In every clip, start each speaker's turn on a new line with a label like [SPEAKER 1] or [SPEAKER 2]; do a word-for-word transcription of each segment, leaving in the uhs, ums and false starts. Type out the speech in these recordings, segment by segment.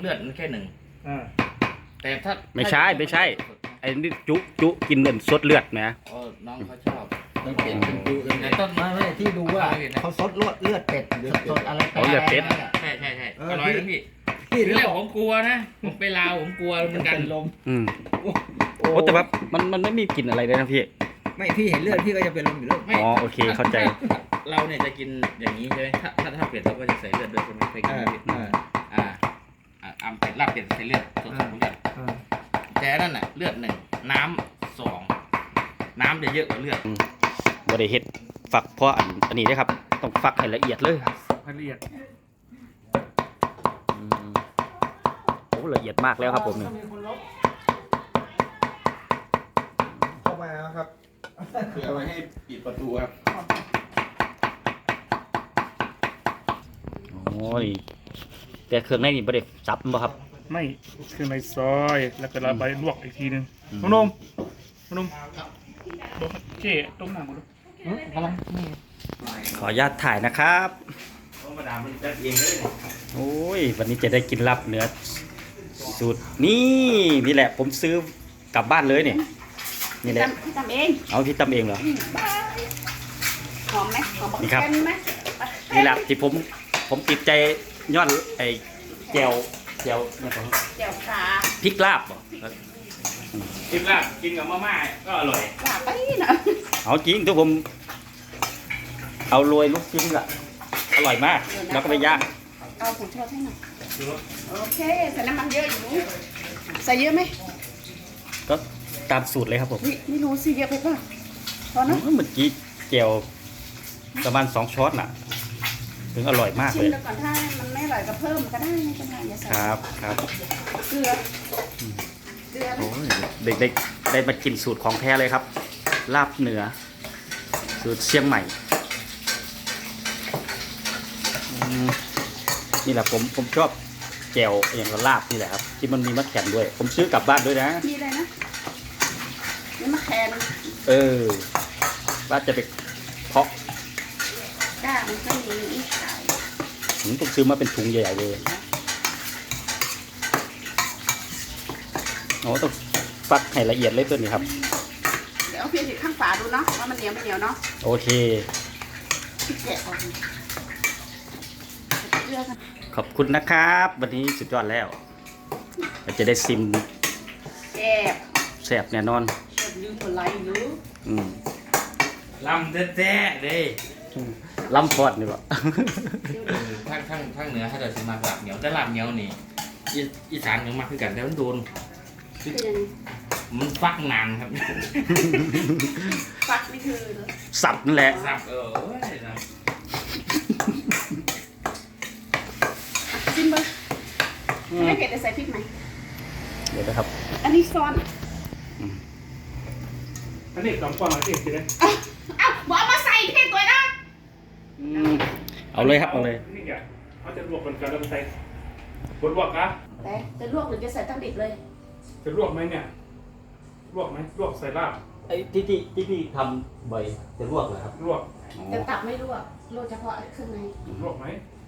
[SPEAKER 1] เลือดมันแค่หนึ่งแต่ถ้า
[SPEAKER 2] ไม่ใช่ไม่ใช่ไอ้นี่จุจุกินเลือดสดเลือดนะ
[SPEAKER 1] เออน้องเขาชอบ
[SPEAKER 3] ต้องเปลี่ยนเป็นจุ
[SPEAKER 1] ในต้นไม้
[SPEAKER 3] ไม่ที่ดูว่าเขาซดเลือดเลือดเป็ดสดอะไร
[SPEAKER 2] เลือดเป็ด
[SPEAKER 1] ใช่ใช่ใช่อร่อยนะพี่ที่แรกผมกลัวนะผมไปลาวผมกลัวเหมือนกันลม
[SPEAKER 2] อืมโอ้แต่ว่ามันมันไม่มีกลิ่นอะไรเลยนะพี่
[SPEAKER 3] ไม่พี่เห็นเลือดพี่ก็จะเป็นลมอยู่แล้ว
[SPEAKER 2] อ๋อโอเคเข้าใจ
[SPEAKER 1] เราเนี่ยจะกินอย่างนี้ใช่ไหมถ้าถ้าถ้าเป็ดเราก็จะใส่เลือดด้วยใช่ไหมเคยกินไหมอ่าอ่าอ่าเป็ดลาบเป็ดใส่เลือดสดๆทุกอย่างแต่นั่นน่ะเลือดหนึ่งน้ำสองน้ำจะเยอะกว่าเลือด
[SPEAKER 2] บริเฮ็ดฝักเพราะอันอันนี้นะครับต้องฝักให้ละเอียดเลย
[SPEAKER 1] ละเอียด
[SPEAKER 2] โอ้ละเอียดมากแล้วครับผมเนี่ย
[SPEAKER 3] เข้ามาครับคือเอาไว้ให้ปิดประตูครับ
[SPEAKER 2] โอ้ยแต่เครื่องในนี่บริซับมั้งครับ
[SPEAKER 4] ไม่เครื่องในซอยแล้วก็เราไปลวกอีกทีนึงนุ่มนุ่มนุ่มเจ๊ต้มน้ำมาดู
[SPEAKER 3] กำลัง
[SPEAKER 2] ขออนุญาตถ่ายนะครับโอ้ยวันนี้จะได้กินลาบเนื้อสูตรนี่นี่แหละผมซื้อกลับบ้านเลยเนี่ยนี่แหละ
[SPEAKER 5] พี่ทำเอง
[SPEAKER 2] เอาพี่ทำเองเหรอ
[SPEAKER 5] หอมไหมหอม
[SPEAKER 2] นี่ครับ
[SPEAKER 5] ไหม
[SPEAKER 2] นี่แหละที่ผมผมติดใจย้อนไอ้แจ่วแจ่วเนี่ยผม
[SPEAKER 5] แจ่วขา
[SPEAKER 2] พริกลาบบ่
[SPEAKER 1] พริกลาบกินกับมะม่าก็อร่อย
[SPEAKER 5] ลาบไปนะ
[SPEAKER 2] เอาจริงทุกผมเอาโรยลูกชิ้นละอร่อยมากแล้วก็ไปย่าง
[SPEAKER 5] เอาผงชูรสให้หน่อยโอเคใส่น้ำมันเยอะอยู่ใส่เยอะไหม
[SPEAKER 2] ก็ตามสูตรเลยครับผม
[SPEAKER 5] ไม่รู้สิเยอะไปป่ะพอนะ
[SPEAKER 2] เมื่อกี้แจ่วประมาณสองช้อนน่ะถึงอร่อยมากเลย
[SPEAKER 5] ชิมแล้วก่อนถ้ามันไม่อร่อยก็เพิ่มก็ได้ไม่เป็นไรอย่าใส่
[SPEAKER 2] ครับครับ
[SPEAKER 5] เกลือเกลือ
[SPEAKER 2] เด็กๆได้มากินสูตรของแท้เลยครับลาบเหนือสูตรเชียงใหม่นี่แหละผมผมชอบแจ่วอย่างกับลาบนี่แหละครับที่มันมีมะแขวนด้วยผมซื้อกลับบ้านด้วยนะ
[SPEAKER 5] มีอะไรนะมีมะแขวน
[SPEAKER 2] เออว่าจะไปเพาะ
[SPEAKER 5] ก้ามันก็มีอีกขาย
[SPEAKER 2] ผมต้องซื้อมาเป็นถุงใหญ่ๆเลยโอ้ต้องฟักให้ละเอียดเลยตัวนี้ครับ
[SPEAKER 5] เดี๋ยวเอาเพียงติดข้างฝาดูเนาะว่ามันเหนียวไม่เหนียวเนาะ
[SPEAKER 2] โอเค
[SPEAKER 5] แกะออก
[SPEAKER 2] ขอบคุณนะครับวันนี้สุดยอดแล้วเราจะได้ซิม
[SPEAKER 5] แซ่บ
[SPEAKER 2] แซ่บแน่นอน
[SPEAKER 5] ยืมอะไรหรือ
[SPEAKER 2] อืม
[SPEAKER 1] ลำแท้ๆเลย
[SPEAKER 2] ลำพอดนี่บ่
[SPEAKER 1] ทั้งทั้งทั้งเหนือถ้าเกิดสิมาลาบเหนียวแต่ลาบเหนียวนี่อีสานยังมาคือกันแต่มันโดนมันฟักนานครับ
[SPEAKER 5] ฟักนี่คือ
[SPEAKER 2] สับนั่นแหละ
[SPEAKER 1] สับเออ
[SPEAKER 5] ซิมเบอร์ไม่เผ็ดจะใส่พริกไหม
[SPEAKER 2] เดี๋ยวนะครับ
[SPEAKER 5] อันนี้ซอน
[SPEAKER 4] อันนี้สองฟองอะไรกินเลย
[SPEAKER 5] อ้าวบอกมาใส่เผ็ดตัวนะ
[SPEAKER 2] เอาเลยครับเอาเลย
[SPEAKER 4] นี่แกเขาจะลวกกันกันแล้วใส่บดลวกนะ
[SPEAKER 5] แต่จะลวกหรือจะใส่ตั้งดิบเลย
[SPEAKER 4] จะลวกไหมเนี่ยลวกไหมลวกใส่ลาบ
[SPEAKER 2] ไอ้ที่ที่ที่พี่ทำบ่อยจะลวกเหรอครับ
[SPEAKER 4] ลวก
[SPEAKER 5] แต่ตับไม่ลวกลวกเฉพาะเครื่องใน
[SPEAKER 4] ลวกไหม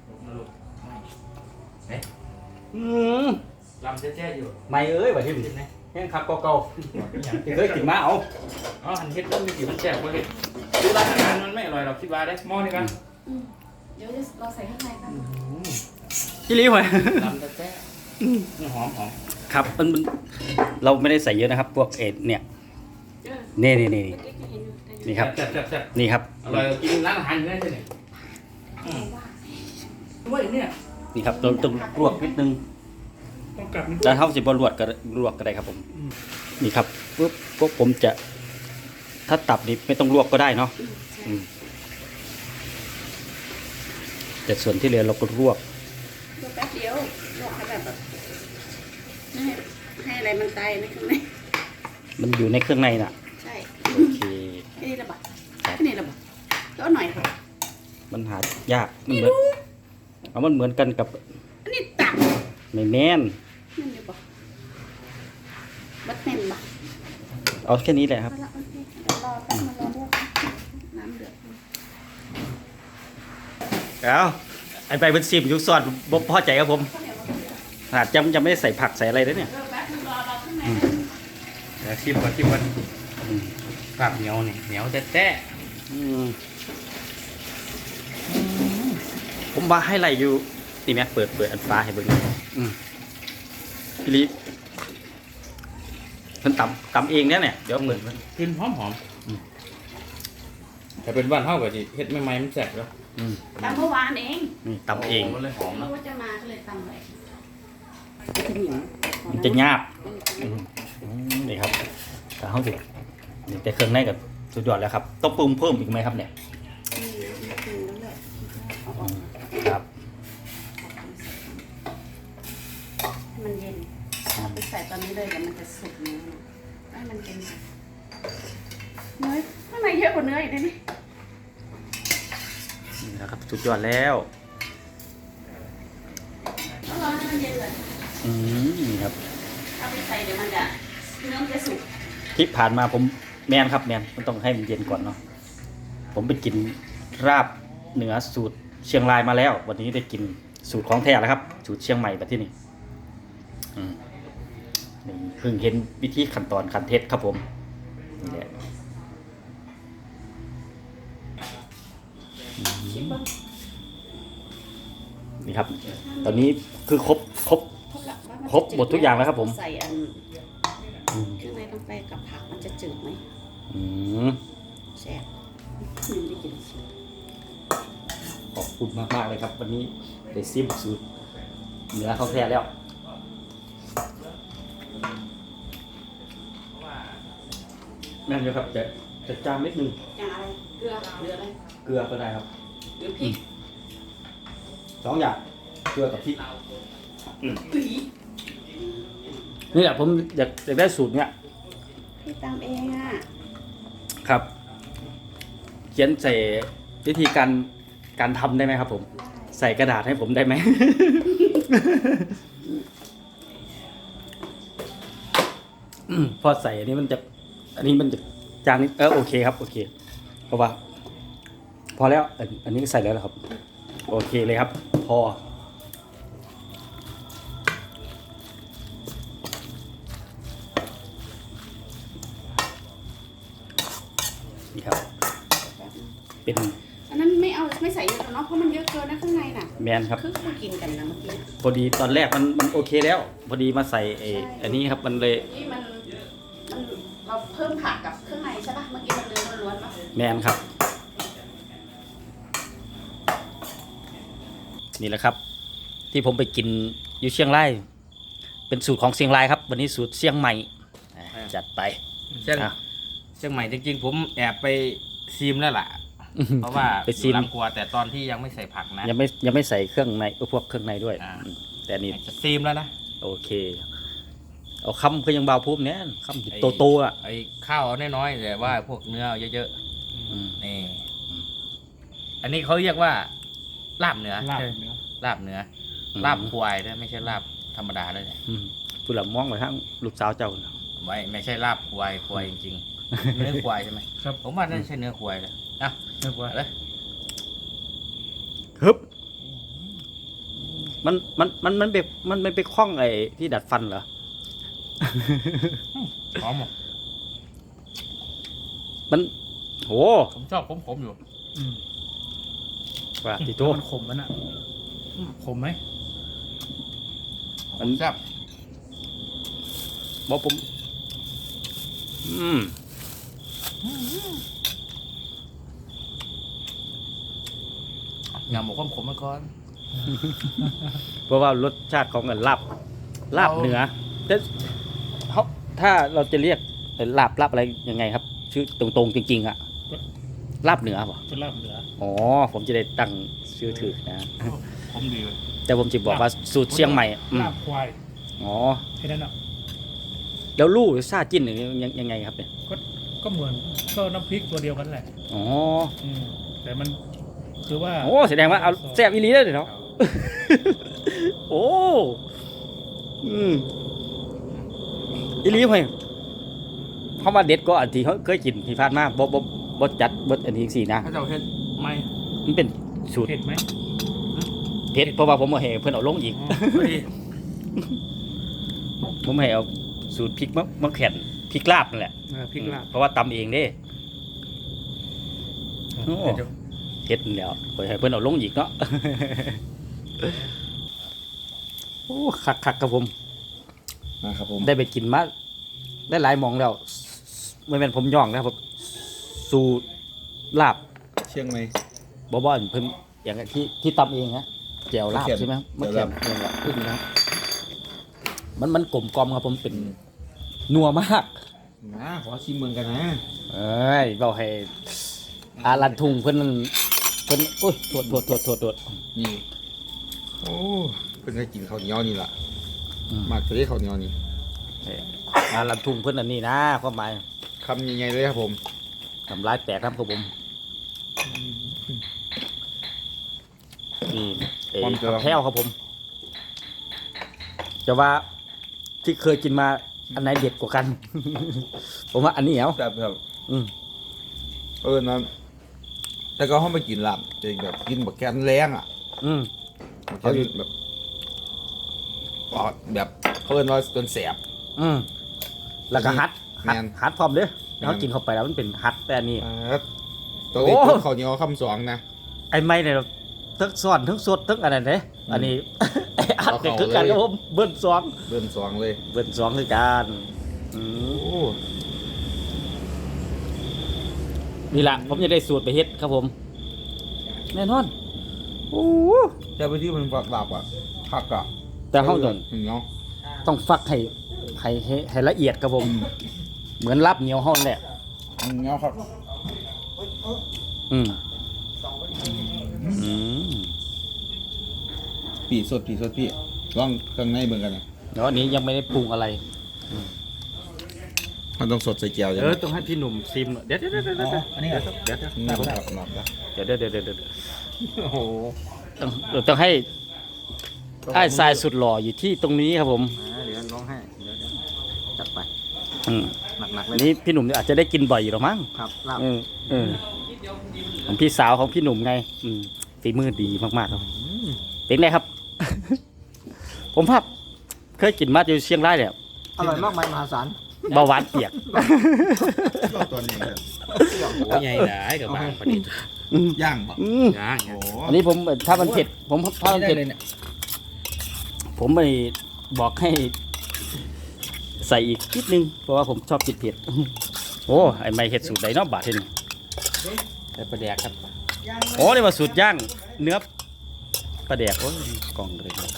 [SPEAKER 1] เอ๊ะ
[SPEAKER 2] อืม
[SPEAKER 1] ลำแจ๊ๆอยู่
[SPEAKER 2] ไม่เอ้ยแบบที่มันแห้งคักเก่าๆเคยกินมาเอา
[SPEAKER 1] อ๋อหันเฮ็ดแล้วมีกี่มันแซ่บกว่าเฮ็ดดูร้านอาหารมันไม่อร่อยเราคิดว่าได้
[SPEAKER 4] หม้อนี่กัน
[SPEAKER 5] เดี๋ยวเราใส่ข้างในกัน
[SPEAKER 2] พี่ลิ้วเหรอ
[SPEAKER 1] ลำแจ๊ๆหอมหอม
[SPEAKER 2] ครับมันเราไม่ได้ใส่เยอะนะครับพวกเอ็ดเนี่ยนี่นี่นี่นี่ครับนี่ครับ
[SPEAKER 1] อร่อยกินร้านอาหารอยู่ได้ใช่ไหมด้วยเนี่ย
[SPEAKER 2] นี่ครับต้องต้องลวกนิดนึงแล้วเท่าสิบลวกก็ลวกก็ได้ครับผมนี่ครับปุ๊บปุ๊บผมจะถ้าตับนี่ไม่ต้องลวกก็ได้เนาะแต่ส่วนที่เหลือเราก็ลวก
[SPEAKER 5] แป๊บเดียวลวกให้แบบให้ให้อะไรมันตายในข้างใน
[SPEAKER 2] มันอยู่ในเครื่องในน่ะ
[SPEAKER 5] ใช่
[SPEAKER 2] โอเค
[SPEAKER 5] นี่ระบาดนี่ระบาดแล้วหน่อยค่ะ
[SPEAKER 2] มันหายากมันเหมือนเอามันเหมือนกันกับ
[SPEAKER 5] อันนี้ตับ
[SPEAKER 2] ไม่แม่น
[SPEAKER 5] นั่นอยู่ปะบัดแม่นปะ
[SPEAKER 2] เอาแค่นี้แหละครับ
[SPEAKER 5] รอแป๊บนึงรอลวกน้ำเดือด
[SPEAKER 2] เอาไอ้ไปเป็นซิมยุกซอดบ่พอใจครับผมฮนาดจำจะไม่ได้ใส่ผักใส่อะไรเลยเนี่ย
[SPEAKER 5] เออแป๊บนึงรอเราข้างใน
[SPEAKER 2] อืม
[SPEAKER 1] เดี๋ยวชิมก่อนชิมก่อน
[SPEAKER 2] อืม
[SPEAKER 1] ลาบเหนียวนี่เหนียวแท้
[SPEAKER 2] อืมผมว่าให้ไรอยู่นี่แม่เปิดเปิดอันฟ้าให้เบิ่งอืมพี่ลิเพิ่นตำตำเองเนี่ยเนี่ยเดี๋ยวเปิดมัน
[SPEAKER 1] ๆกลิ่นหอมหอม
[SPEAKER 2] อืม
[SPEAKER 1] แต่เป็นบ้านเท่ากับที่เฮ็ดใหม่ๆมันแสบแล้ว
[SPEAKER 2] อืม
[SPEAKER 5] ตำเมื่อวานเอง
[SPEAKER 2] นี่ตำเอง
[SPEAKER 1] มันเลยหอม
[SPEAKER 5] ไม่
[SPEAKER 1] นะ
[SPEAKER 5] รู้ว่าจะมาก็เลยตำเลยจะเหนียว
[SPEAKER 2] มันจะหยาบอืมอืมนี่ครับแต่เขาสินี่แต่เครื่องในกับสุดยอดแล้วครับต้องปรุงเพิ่มอีกไหมครับเนี่ย
[SPEAKER 5] อืมอืมนั่นแหละเอาออก
[SPEAKER 2] ครับ
[SPEAKER 5] มันเย็นเอาไปใส่ตอนนี้เลยเดี๋ยวมันจะสุกเนื้อให้มันเป็นเนื้อข้างในเยอะกว่าเนื้ออีกนะนี่
[SPEAKER 2] นี่นะครับสุดยอดแล้ว
[SPEAKER 5] ต้องรอให้มันเย็นเลย
[SPEAKER 2] อืมนี่ครับ
[SPEAKER 5] เอาไปใส่เดี๋ยวมันจะเนื้อมันจะสุก
[SPEAKER 2] ที่ผ่านมาผมแมนครับแมนมันต้องให้มันเย็นก่อนเนาะผมไปกินราบเหนือสูตรเชียงรายมาแล้ว วันนี้ได้กินสูตรของแท้แล้วครับ สูตรเชียงใหม่แบบที่นี่อืมนี่เพิ่งเห็นวิธีขั้นตอนขั้นเทศครับผมนี่แหละอืมนี่ครับ ตอนนี้คือครบครบ ครบหมดทุกอย่างแล้วครับผม
[SPEAKER 5] ใส่อัน
[SPEAKER 2] อืม
[SPEAKER 5] เครื่องในลงไปกับผักมันจะจืดไหม
[SPEAKER 2] อืม
[SPEAKER 5] แซ่บมันได้กิน
[SPEAKER 2] ขอบคุณมากมากๆเลยครับ วันนี้ได้ซิมสูตรเหนือเขาแท้แล้วนั่นเลยครับจะจะจามนิดนึง
[SPEAKER 5] อย่างอะไรเกลือหรืออะไร
[SPEAKER 2] เกลือก็ได้ครับ
[SPEAKER 5] หรือพริก
[SPEAKER 2] สองอย่างเกลือกับพริก
[SPEAKER 5] อุ้ย
[SPEAKER 2] นี่แหละผมอยากอยากได้สูตรเนี้ย
[SPEAKER 5] พี่ตามเองอ่ะ
[SPEAKER 2] ครับ เขียนใส่วิธีการการทำได้ไหมครับผม ใส่กระดาษให้ผมได้ไหม อืมพอใส่อันนี้มันจะ อันนี้มันจะจางนิดเออโอเคครับโอเค เพราะว่า พอแล้วอันอันนี้ใส่แล้วนะครับ โอเคเลยครับ พอ นี่ครับ เป็น
[SPEAKER 5] อันนั้นไม่เอาไม่ใส่เยอะเนาะเพราะมันเยอะเกินนะข้างในน่ะ
[SPEAKER 2] แมนครับ
[SPEAKER 5] คือมากินกันนะเมื่อกี้
[SPEAKER 2] พอดีตอนแรกมันมันโอเคแล้ว พอดีมาใส่ไอ้อันนี้ครับมันเลย
[SPEAKER 5] นี่มันมันเราเพิ่มผักกับเครื่องในใช่ปะเมื่อกี้มันเนื้อล้วนๆปะ
[SPEAKER 2] แมนครับ นี่แหละครับ ที่ผมไปกินอยู่เชียงรายเป็นสูตรของเชียงรายครับ วันนี้สูตรเชียงใหม่อ่ะจัดไป
[SPEAKER 1] เชียง
[SPEAKER 2] อ่ะ
[SPEAKER 1] เชียงใหม่จริงๆผมแอบไปซีมแล้วล่ะ เพราะว่า
[SPEAKER 2] ไปซีม
[SPEAKER 1] อยู่ลำครัวแต่ตอนที่ยังไม่ใส่ผักนะ
[SPEAKER 2] ยังไม่ยังไม่ใส่เครื่องในเออพวกเครื่องในด้วย
[SPEAKER 1] อ่า
[SPEAKER 2] อืมแต่อันนี่
[SPEAKER 1] จะซีมแล้วนะ
[SPEAKER 2] โอเค เอาคำคือยังเบาพูบเนี้ยคำ
[SPEAKER 1] ไอ้
[SPEAKER 2] โตโตๆอ่ะ
[SPEAKER 1] ไอ้ข้าวเอาน้อยๆแต่ว่าพวกเนื้อเอาเยอะ
[SPEAKER 2] อืม
[SPEAKER 1] ๆนี่อันนี้เขาเรียกว่าลาบเนื้อ
[SPEAKER 4] ลาบ
[SPEAKER 1] ใช่
[SPEAKER 4] เนื้อ
[SPEAKER 1] ลาบเนื้อลาบควายนะไม่ใช่ลาบธรรมดาเลยเนี่ย
[SPEAKER 2] อืมผู้หลังมองไปทั้งลูกสาวเจ้าน่ะ
[SPEAKER 1] ไม่ไม่ใช่ลาบควายควายจริงๆ เนื้อควายใช่ไหม
[SPEAKER 4] ครับ
[SPEAKER 1] ผมว่าน่าจะใช่เนื้อควายเลยอ่ะ
[SPEAKER 4] เรียกว่า
[SPEAKER 1] เอาเลย
[SPEAKER 2] ฮึบมันมันมันมันไปมันมันไปคล้องไอ้ที่ดัดฟันเหรอ
[SPEAKER 1] หอมหมด
[SPEAKER 2] มันโห
[SPEAKER 1] ผมชอบขมๆอยู่
[SPEAKER 4] อืม
[SPEAKER 2] ว่าติโต
[SPEAKER 4] มันขมมันอ่ะอืมขมไหม
[SPEAKER 2] มัน
[SPEAKER 1] แซ่บ
[SPEAKER 2] บอกผม อืม
[SPEAKER 1] อย่าหมกขมๆมาก่อน
[SPEAKER 2] เพราะว่ารสชาติของเงินลาบลาบ
[SPEAKER 1] เอา
[SPEAKER 2] เหนือแต่เขาถ้าเราจะเรียกลาบลาบอะไรยังไงครับ ชื่อตรงๆจริง ๆอะลาบเหนือป่ะ
[SPEAKER 4] เป็นลาบเหนือ
[SPEAKER 2] อ๋อผมจะได้ตั้งชื่อถือนะ
[SPEAKER 1] ผมดีเลย
[SPEAKER 2] แต่ผมจะบอกว่าสูตรเชียงใหม่อืม
[SPEAKER 4] ลาบควาย
[SPEAKER 2] อ๋อ
[SPEAKER 4] แค่นั้นอ่ะ
[SPEAKER 2] แล้วลู่หรือซาจิ้นหรือยังยังไงครับเนี่ย
[SPEAKER 4] ก็ก็เหมือนก็น้ำพริกตัวเดียวกันแหละ
[SPEAKER 2] อ๋อ
[SPEAKER 4] อืมแต่มันคือว่า
[SPEAKER 2] โอ้แสดงว่าเอาแซ่บอีหลีเลยเนาะ โอ้อืมอีหลีเฮ้ยเพราะว่าเด็ดก็อันที่เขาเคยกินที่ผ่านมาบ่บ่บ่จัดบ่อันนี้สินะ
[SPEAKER 1] ถ้าเจ้าเฮ็ดไม่
[SPEAKER 2] มันเป็นสูตร
[SPEAKER 4] เผ็ดไหม
[SPEAKER 2] เผ็ดเพราะว่าผมเอาให้เพิ่นเอาลงอีก
[SPEAKER 1] พอดี
[SPEAKER 2] ผมให้เอาสูตรพริกมะมะแขวนพริกลาบนั่นแหละ
[SPEAKER 4] เออพริกลาบ
[SPEAKER 2] เพราะว่าตำเองเด้ โอ้
[SPEAKER 4] เดี๋ยว
[SPEAKER 2] เฮ็ดนั่นแหล้วปล่อยให้เพิ่นเอาลงอีกเนาะ โอ้คักคักๆครับผม
[SPEAKER 3] นะครับผม
[SPEAKER 2] ได้ไปกินมาได้หลายหมองแล้วไม่เป็นผมย่องนะครับผมสูตรลาบ
[SPEAKER 3] เชียงใหม่
[SPEAKER 2] บ่บ่อนเพิ่นอย่างที่ที่ตำเองฮะแจ่วลาบ
[SPEAKER 3] มะเขือ
[SPEAKER 2] ใช่ไหมครับมะ
[SPEAKER 3] แจ่
[SPEAKER 2] เขือ
[SPEAKER 3] วลาบ
[SPEAKER 2] เองแหละพูดดีนะครับมันมันกลมกลอมครับผมเป็นนัวมาก
[SPEAKER 3] นะขอชิมเมืองกันนะ
[SPEAKER 2] เอ้ยเบาให้อารันทุงเพิ่นเพิ่นโอ้ยโทษโทษโทษโทษโทษ
[SPEAKER 3] นี่โอ้เพิ่งได้กินข้าวเหนียวนี่ล่ะ
[SPEAKER 2] อืม
[SPEAKER 3] มากเลยข้าวเหนียวนี่
[SPEAKER 2] เอ้ยอารันทุงเพิ่นอันนี้นะความหมาย
[SPEAKER 3] คำใหญ่ๆเลยครับผม
[SPEAKER 2] ทำร้ายแตกครับครับผมนี่เอ้ยผักแพ้วครับผม จะว่าที่เคยกินมาอันไหนเด็ดกว่ากัน ผมว่าอันนี้เหรอ
[SPEAKER 3] แบบแบบ
[SPEAKER 2] อืม
[SPEAKER 3] เออนะแต่ก็ห้องไปกินลาบจะแบบกินแบบแกนแรงอ่ะ
[SPEAKER 2] อืม
[SPEAKER 3] เขาแบบปอดแบบเพิ่นว่าจนแสบ
[SPEAKER 2] อืมแล้วก็ฮัดฮัด
[SPEAKER 3] แม่น
[SPEAKER 2] ฮัดพร้อมเด้อ
[SPEAKER 3] แม่น
[SPEAKER 2] เขากินเข้าไปแล้วมันเป็นฮัดแต่อันนี้
[SPEAKER 3] อ่าตัวนี้
[SPEAKER 2] โอ้
[SPEAKER 3] ตัวข้าวเหนียวคำสองนะ
[SPEAKER 2] ไอ้ไม่เนี่ยทั้งซ้อนทั้งสดทั้งอะไรเนี่ยอันนี้ ไอ้อัดเนี่ยคือกันครับผมเบิ้ลสอง
[SPEAKER 3] เริ่มสองเลย
[SPEAKER 2] เบิ้ลสองคือกันอืม
[SPEAKER 3] โอ้
[SPEAKER 2] นี่แหละผมจะได้สูตรไปเฮ็ดครับผม แน่นอนโอ้
[SPEAKER 3] แต่ไปที่มันฝักลาบอ่ะผักอ่ะ
[SPEAKER 2] แต่เขาต้อง
[SPEAKER 3] เหนียว
[SPEAKER 2] ต้องฟักให้ให้ให้ให้ละเอียดครับผม เหมือนรับเหนียวห้องแหละ
[SPEAKER 3] เหนียวครับ
[SPEAKER 2] อืมอืม
[SPEAKER 3] ปีสดปีสดพี่ลองเครื่องในเบิ่งกันนะ
[SPEAKER 2] แล้วอันนี้ยังไม่ได้ปรุงอะไร
[SPEAKER 3] มันต้องสดใส่แก้วใช่
[SPEAKER 2] เอ
[SPEAKER 3] ไหม
[SPEAKER 2] อต้องให้พี่หนุ่มซิมเดี๋ยวเดี๋ยวเดี๋ยวเดี๋ยวเดี๋ยว
[SPEAKER 3] อันนี้เหรอ
[SPEAKER 2] เดี๋ยวเดี๋ยว
[SPEAKER 3] หนับหนับหนับนะ
[SPEAKER 2] เดี๋ยวเดี๋ยวเดี๋ยวเดี๋ยวเดี๋ยว
[SPEAKER 4] โอ้โห
[SPEAKER 2] ต้องต้องให้ไอ้ทรายสุดหล่ออยู่ที่ตรงนี้ครับผม
[SPEAKER 3] เดี๋ยวร้องให้เดี๋ยวจัดไป
[SPEAKER 2] อืม
[SPEAKER 3] หนักๆเล
[SPEAKER 2] อั
[SPEAKER 3] ย
[SPEAKER 2] นนี้พี่หนุ่มอาจจะได้กินบ่อยอยู่หรอมั้ง
[SPEAKER 3] ครับลาบ
[SPEAKER 2] เออเออของพี่สาวของพี่หนุ่มไง อืมฝีมือดีมากๆครับเป็นไงครับ ผมภาพเคยกินมาอยู่เชียงรายเนี่ย
[SPEAKER 3] อร่อยมากมายมหาศาล
[SPEAKER 2] เบาหวานเปียก
[SPEAKER 3] ตัวนี้ครับ
[SPEAKER 1] โอ้ยใหญ่หลายกับบางประเด็น
[SPEAKER 3] ย่างปะ
[SPEAKER 2] อืม
[SPEAKER 1] ย่าง
[SPEAKER 3] โอ้
[SPEAKER 2] อันนี้ผมถ้ามันเผ็ด ผมถ้ามัน
[SPEAKER 3] ได้
[SPEAKER 2] เผ็ด
[SPEAKER 3] เลยเนี่ย
[SPEAKER 2] ผมไปบอกให้ ใส่อีกนิดนึง เพราะว่าผมชอบกินเผ็ด โอ้ไอไม่เห็ดสูตรใดเนาะบาทเห็น
[SPEAKER 1] แต่ประเดี๋ยวครับ
[SPEAKER 2] โอ้นี่มาสูตรย่างเนื้อปลาแดกโอ้ยกล่องเลยครับ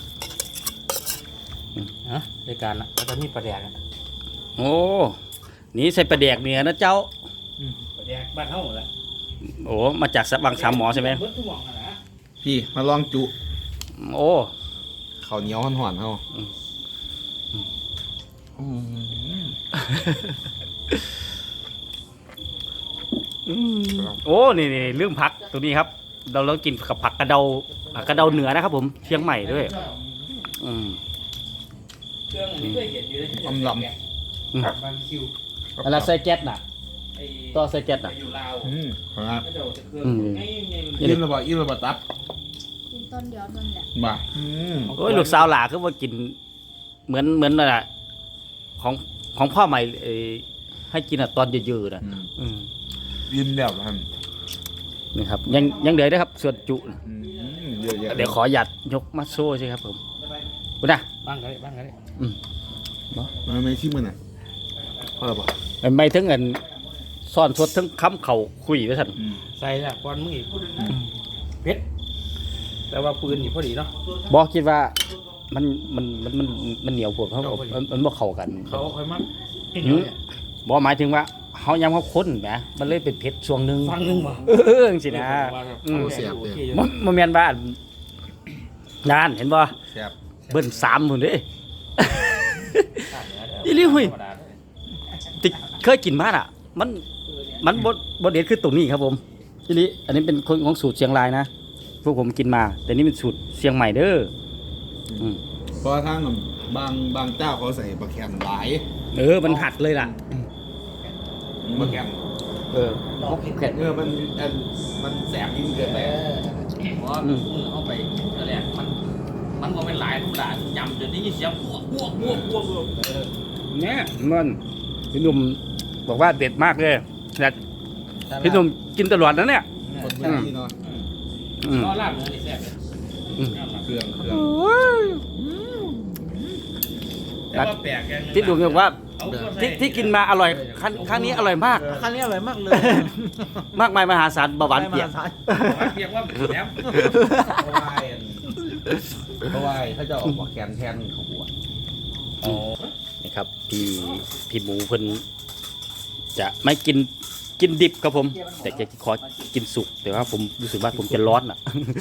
[SPEAKER 1] ฮะรายการละแล้วก็มีประเดี๋ยว
[SPEAKER 2] โอ้นี่ใส่ปลาแดกเนื้อนะเจ้า
[SPEAKER 1] ประเดี๋ยวบ้านเฮาแหละ
[SPEAKER 2] โอ้มาจากบางสามหมอใช่ไหม
[SPEAKER 1] เบิดทุกหม่องอะนะ
[SPEAKER 3] พี่มาลองจุ
[SPEAKER 2] โอ้
[SPEAKER 3] ข้าวเหนียวห่อนๆเฮา
[SPEAKER 2] อืม
[SPEAKER 3] อืม
[SPEAKER 2] โอ้นี่นี่เรื่องผักตัวนี้ครับ เราเรากินกับผักกระเดาผักกระเดาเหนือนะครับ ผมเชียงใหม่ด้วย อืม
[SPEAKER 1] เครื่องนี้เคยเห็นอยู่เลย
[SPEAKER 3] อำล
[SPEAKER 2] อืม
[SPEAKER 1] บางคิว
[SPEAKER 3] ำ
[SPEAKER 2] อะไรใส่แก๊สน่ะ
[SPEAKER 1] ไอ้
[SPEAKER 2] ต่อใส่แก๊สน่ะ
[SPEAKER 1] ไปอยู่ลาว
[SPEAKER 3] อืมครับ
[SPEAKER 1] ก็จะเอาแต่เครื่อง
[SPEAKER 2] อืม
[SPEAKER 1] ง่ายๆมัน
[SPEAKER 3] อิ่มระบาอิ่มระบาตับ
[SPEAKER 5] กินต้นเดียวนั่นแหละ
[SPEAKER 3] บ่าอืม
[SPEAKER 2] โอ้ยลูกสาวหลาคือว่ากิน เหมือนเหมือนน่ะของของพ่อใหม่เอ่อให้กินอ่ะตอนเยอะๆนะ
[SPEAKER 3] อืม
[SPEAKER 2] อืม
[SPEAKER 3] อิ่มแล้วครับ
[SPEAKER 2] นี่ครับ ยังยังเหลือนะครับ ส่วนจุ
[SPEAKER 3] อืมเยอะแยะ
[SPEAKER 2] เดี๋ยวขอหยัดยกมาโซ่ใช่ครับผมคุณนะ
[SPEAKER 1] บ้างก็ได้บ้างก็ได้
[SPEAKER 2] อืม
[SPEAKER 3] มาไม่ชิมมันอ่ะพอแล้วป่ะ
[SPEAKER 2] ไม่ถึงเงินซ่อนสดทั้งค้ำเข่าคุยไว้สั่น
[SPEAKER 3] อืม
[SPEAKER 1] ใส่ละก้อนมืออีกเพชรแต่ว่าปืนอยู่พอดีเนาะ
[SPEAKER 2] บอกคิดว่ามันมันมันมันมันเหนียวปวดเพราะว่ามันมันบ่เข้ากัน
[SPEAKER 1] เขาค่อยมัก
[SPEAKER 2] อืมบอกหมายถึงว่าเขายำเขาข้นแหมมันเลยเป็นเผ็ดช่วงหนึง
[SPEAKER 1] ฟังนึงบ่
[SPEAKER 2] เออจังสินะอืม
[SPEAKER 1] เสียบโอเคอยู่
[SPEAKER 2] มันมันแม่นว่าอันนานเห็นบ่
[SPEAKER 3] แซ่บ
[SPEAKER 2] เบิ้ลสามพุ่นเด้ อีหลีหุ้ย ติเคยกินมาอ่ะ มันมันบ่บ่เด็ดคือตรงนี้ครับผมทีนี้อันนี้เป็นคนของสูตรเชียงรายนะพวกผมกินมา แต่นี่เป็นสูตรเชียงใหม่เด้ออืม
[SPEAKER 3] เพราะว่าทางบางบางเจ้าเขาใส่ปลาแคนหลาย
[SPEAKER 2] เออมันหัดเลยล่ะ
[SPEAKER 3] ปลาแคน
[SPEAKER 2] เออ
[SPEAKER 3] เออมันอันมันแสบยิ่งเกินไป
[SPEAKER 1] เพราะมือเข้าไปนั่นแหละมันมันก็เป็นหลายธรรมดายำจนได้ยินเสียงบวกบวกบวกบวกบวก
[SPEAKER 4] เนี่ยมันพี่หนุ่มบอกว่าเด็ดมากเลยแต่พี่หนุ่มกินตลอดนะเนี่ย
[SPEAKER 3] คนพื้นที่เนาะ
[SPEAKER 4] อืม
[SPEAKER 1] ก็ลาบเนื้อนี่แซ่บเลย
[SPEAKER 3] เครื่องเครื่อง
[SPEAKER 1] แต่ว่าแปลกอย่างหนึง
[SPEAKER 4] พี่หนุ่มบอกว่า
[SPEAKER 1] เอาเข้าใส่
[SPEAKER 4] ที่ที่กินมาอร่อยครั้งครั้งนี้อร่อยมาก
[SPEAKER 6] คันนี้อร่อยมากเลย
[SPEAKER 4] มากมายมหาศาลเบาหวานเปียก
[SPEAKER 6] ไม่มสร
[SPEAKER 1] เรียกว่าแหนม
[SPEAKER 3] เพราะว่าเพราะว่าเขาจะออกมาแกนแทนของหัว
[SPEAKER 2] นี่ครับพี่พี่หมูเพิ่นจะไม่กินกินดิบครับผม แต่จะขอกินสุกแต่ว่าผมรู้สึกว่าผมจะร้อนอ่ะ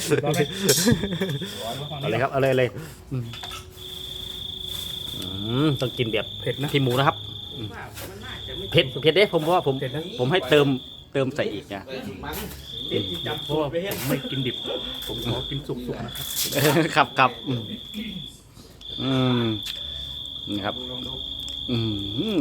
[SPEAKER 2] เอาเลยครับเอาเลยเอาเลยอืมอืมต้องกินแบบ
[SPEAKER 4] เผ็ดนะ
[SPEAKER 2] พี่หมูนะครับอืมเผ็ดเผ็ดเด้ผมเพราะว่าผม
[SPEAKER 4] เผ็ดนะ
[SPEAKER 2] ผมให้เติมเติมใส่อีกนะ
[SPEAKER 4] เพราะว่าผมไม่กินดิบ ผมขอกินสุกๆนะครับ
[SPEAKER 2] ครับครับอืมอืมนี่ครับอืม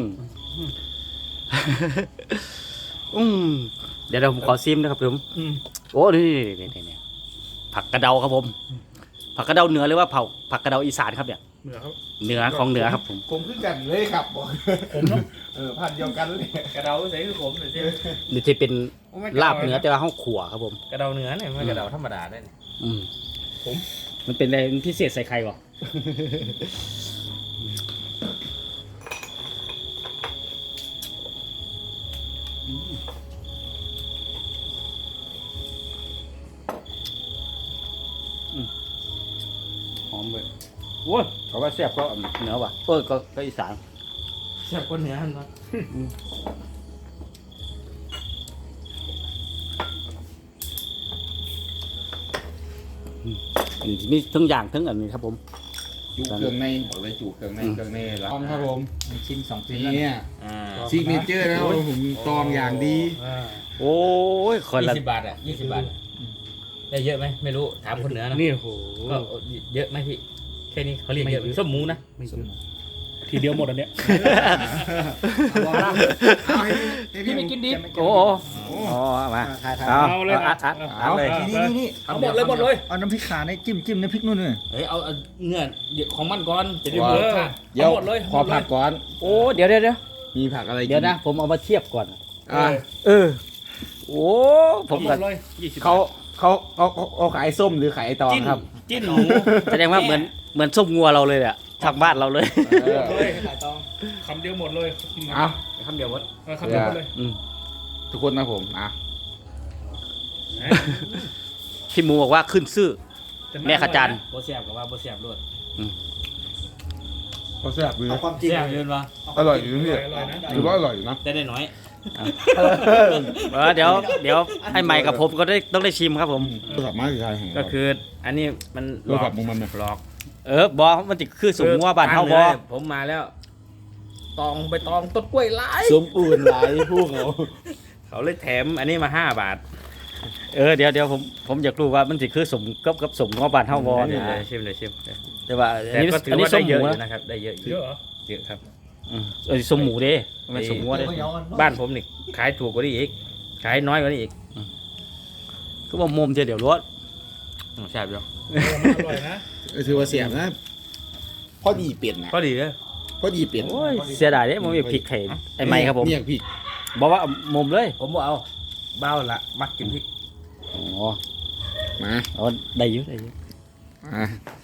[SPEAKER 2] อืมเดี๋ยวเดี๋ยวผมขอซิมนะครับผม
[SPEAKER 4] อืม
[SPEAKER 2] โอ้นี่นี่นี่นี่ผักกระเดาครับผม ผักกระเดาเหนือหรือว่าเผาผักกระเดาอีสานครับเนี่ย
[SPEAKER 4] เหนือครับ
[SPEAKER 2] เหนือของเหนือครับผม
[SPEAKER 3] ผมคือกันเลยครับบอก
[SPEAKER 4] ผมเนาะ
[SPEAKER 3] เออพันเดียวกันเลย
[SPEAKER 1] กระเดาใส่คือผมหน่อยสิ
[SPEAKER 2] นี่ที่เป็นลาบเหนือแต่ว่าห้องขัวครับผม
[SPEAKER 1] กระเดาเนื้อเนี่ยไม่กระเดาธรรมดาได้เนี่ย
[SPEAKER 2] อืมผมมันเป็นอะไรพิเศษใส่ไข่ก่อ หอมเลยโอ้ยเขาว่าแซ่บก็เหนือว่ะเออก็ก็อีสาน
[SPEAKER 1] แซ่บกว่าเนื้อเนาะ
[SPEAKER 2] อันนี้มีทั้งอย่างทั้งอันนี้ครับผม
[SPEAKER 3] จุเครื่องในบอกเลยจุเครื่องในเครื่องในแล้วครับผม
[SPEAKER 6] ชิ้นสองชิ้น
[SPEAKER 3] นี่
[SPEAKER 1] อ่า
[SPEAKER 3] ซิกเนเจอร์นะครับผมตองอย่างดี
[SPEAKER 4] อ่า
[SPEAKER 2] โอ้ยคน
[SPEAKER 1] ยี่
[SPEAKER 2] ละ
[SPEAKER 1] สิบบาทอ่ะยี่สิบบาทอะได้เยอะไหมไม่รู้ถามคนเหนือนะ
[SPEAKER 4] นี่โอ้โห
[SPEAKER 1] ก็เยอะไหมพี่แค่นี้เขาเรียกเยอะไหมส้มหมูนะ
[SPEAKER 4] ไม่เยอะทีเดียวหมดอันเนี้ย
[SPEAKER 6] บอกนะ
[SPEAKER 1] พี่ไม่กินดิบ
[SPEAKER 2] โอ้โหอ๋อมา
[SPEAKER 6] ถ่ายถ่าย
[SPEAKER 2] เอา
[SPEAKER 4] เอาเลย
[SPEAKER 2] อัดอัดอัดเลย
[SPEAKER 6] นี่นี่นี่
[SPEAKER 1] เอาหมดเลยหมดเลย
[SPEAKER 6] เอาน้ำพริกขาในจิ้มจิ้มน้ำพริกนู่นนี่
[SPEAKER 1] เฮ้ยเอาเอาเนื้อของมันก่อนจะได้
[SPEAKER 3] ว้าว
[SPEAKER 1] เบิร์ค่ะ
[SPEAKER 3] เดี๋ยว
[SPEAKER 1] เอาหมดเลย
[SPEAKER 3] ขอผักก่อน
[SPEAKER 2] โอ้เดี๋ยวเดี๋ยวเดี๋ยว
[SPEAKER 3] มีผักอะไรกิ
[SPEAKER 2] เดี๋ยวนะ ผมเอามาเทียบก่อน
[SPEAKER 3] อ่ะ
[SPEAKER 2] เออ โอ้ผ
[SPEAKER 1] ผม
[SPEAKER 2] ม
[SPEAKER 1] หม
[SPEAKER 2] ก็
[SPEAKER 1] ดเลยยี่สิบ
[SPEAKER 3] เขาเขาเขาเขาเขาขายส้มหรือขายตอง
[SPEAKER 1] จิ้น
[SPEAKER 3] ครับ
[SPEAKER 1] จิ้นหมู
[SPEAKER 2] แสดงว่าเหมือนเหมือนส้มงัวเราเลยอะทางบ้านเราเลย
[SPEAKER 3] เออ
[SPEAKER 4] เลย
[SPEAKER 6] ขายตอง
[SPEAKER 4] คำเดียวหมดเลยกินมา
[SPEAKER 3] เอา
[SPEAKER 1] คำเดียวหมด
[SPEAKER 4] เออคำเดียวหมดเลย
[SPEAKER 2] อืม
[SPEAKER 3] ทุกคนนะผมอ่ะ
[SPEAKER 2] พี่หมูบอกว่าขึ้นซื่อ แม่ขจารย์
[SPEAKER 1] โบเสียบกับว่าโบเสียบรวด
[SPEAKER 3] เขาแซ่บเลย
[SPEAKER 6] เอาความจริง
[SPEAKER 1] เสียบยืนวะ
[SPEAKER 3] อร่อยอยู่
[SPEAKER 4] อ
[SPEAKER 3] นี่
[SPEAKER 4] ร่อยอร่อยนะ
[SPEAKER 3] ถือว่าอร่อยอยู่นะ
[SPEAKER 1] ได้ได้น้อย
[SPEAKER 2] เออเดี๋ยวเดี๋ยวให้ใหม่กับผมก็ได้ต้องได้ชิมครับผม
[SPEAKER 3] โทรศัพท์มาคือใครแห่ง
[SPEAKER 1] ก็คืออันนี้มัน
[SPEAKER 3] โทรศัพท์มึงมันเนี่ย
[SPEAKER 1] หลอก
[SPEAKER 2] เออบอมันจะคือสมงัวบ้านเฮาบอ
[SPEAKER 1] ผมมาแล้ว ตองไปตองต้นกล้วยไล่
[SPEAKER 3] สมปูนหลายพวกเขา
[SPEAKER 1] เขาเลยแถมอันนี้มาห้าบาท
[SPEAKER 2] เออเดี๋ยวเดี๋ยวผมผมอยากรู้ว่ามันจะคือสมกับกับสมงัวบ้านเฮาบอ
[SPEAKER 1] ชิ
[SPEAKER 2] เนี่ย
[SPEAKER 1] มเลยชิมเลยชิม
[SPEAKER 2] แต่ว่าอัน
[SPEAKER 1] แต่
[SPEAKER 2] นี้
[SPEAKER 1] ก็ถือ
[SPEAKER 2] อันนี้
[SPEAKER 1] ว่า
[SPEAKER 2] ส้
[SPEAKER 1] ได้
[SPEAKER 2] มห
[SPEAKER 1] เย
[SPEAKER 2] มู
[SPEAKER 1] อะอยู่
[SPEAKER 2] นะ
[SPEAKER 1] นะครับได้เยอะอยู่
[SPEAKER 4] เยอะเหรอ
[SPEAKER 1] เยอะครับ
[SPEAKER 2] อืมเออส้มหมูเด้มันสมงัวเด้
[SPEAKER 6] เดี๋ยวเดี๋ยว
[SPEAKER 1] บ้านผมนี่ขายถูกกว่านี้อีกขายน้อยกว่านี้อีก
[SPEAKER 2] ก็บอกมุมเดียวเดี๋ยวรถ
[SPEAKER 1] อืมแซ่บอยู่
[SPEAKER 4] เออมันอร่อยนะ
[SPEAKER 3] เออถือว่าเสียบนะพอดีเปลี่ยนนะ
[SPEAKER 1] ก็ดีเลย
[SPEAKER 3] พอดีเปลี่ยน
[SPEAKER 2] โอ้ยเสียดายเด้ผมอยากพริกไข่ไอ้ไม้ครับผม
[SPEAKER 3] เนี่ยพี่
[SPEAKER 2] บอกว่ามุมเลย
[SPEAKER 1] ผมบอกเอาเบ้าละมักกินพริก
[SPEAKER 2] อ๋อ
[SPEAKER 3] มา
[SPEAKER 2] เอาได้อยุ่ได้อยุ่
[SPEAKER 3] อ่ะ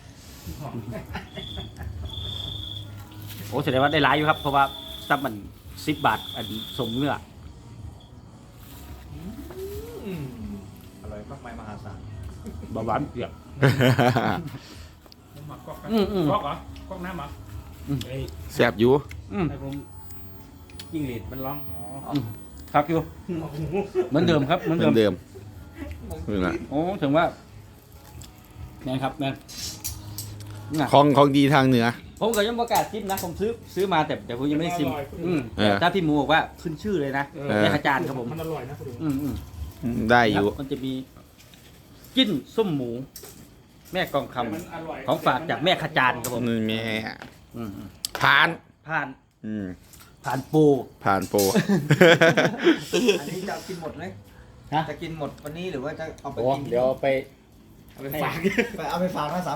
[SPEAKER 2] โอ้แสดงว่าได้หลายอยู่ครับเพราะว่าซับมันสิบบาทอันสมเนื้อ
[SPEAKER 1] อร่อยมากมายมหาศาล
[SPEAKER 2] บาหวานเปียก
[SPEAKER 4] น้ำหมักก๊อกนะ
[SPEAKER 2] อืมอืม
[SPEAKER 4] ก๊อกเหรอก๊อกน้ำเหรอ
[SPEAKER 1] เฮ้ย
[SPEAKER 3] แซ่บอยู่
[SPEAKER 2] อืม
[SPEAKER 1] ให้ผมจิ้งหรีดมันร้อง
[SPEAKER 2] ครับอยู่เหมือนเดิมครับเหมือน
[SPEAKER 3] เหมื
[SPEAKER 2] เดิ
[SPEAKER 3] อ
[SPEAKER 2] ม
[SPEAKER 3] นเดิมนี่แหละ
[SPEAKER 2] โอ้ถึงว่าแม่นครับแม่นน่ะ
[SPEAKER 3] ของของดีทางเหนือ
[SPEAKER 2] ผมก็ยังประกล้าศชิมนะผมซื้อซื้อมาแต่แต่ผมยังไม่ได้ชิมอืม
[SPEAKER 3] เออ
[SPEAKER 2] แต่ถ้าพี่หมูบอกว่าขึ้นชื่อเลยนะ
[SPEAKER 4] เอ
[SPEAKER 3] เออ
[SPEAKER 2] แม่ขจารย์ครับผม
[SPEAKER 4] มันอร่อยนะคุณดู
[SPEAKER 2] อืมอืม
[SPEAKER 3] ได้อยู่
[SPEAKER 2] ครับมันจะมีจิ้นส้มหมู แม่กองคำ
[SPEAKER 4] มันอร่อย
[SPEAKER 2] ของฝากจากแม่ขจารย์ครับผม
[SPEAKER 3] นี่แม่
[SPEAKER 2] อืมอืม
[SPEAKER 3] ผ่าน
[SPEAKER 2] ผ่าน
[SPEAKER 3] อืม
[SPEAKER 2] ผ่านปู
[SPEAKER 3] ผ่านโปร
[SPEAKER 6] อันนี้จะกินหมดไหม
[SPEAKER 2] ฮะ
[SPEAKER 6] จะกินหมดวันนี้หรือว่าจะเอาไป
[SPEAKER 2] โอ้
[SPEAKER 6] กิน
[SPEAKER 2] เดี๋ยวไป
[SPEAKER 1] เอาไปฝาก
[SPEAKER 6] ไปเอาไปฝากนะสาม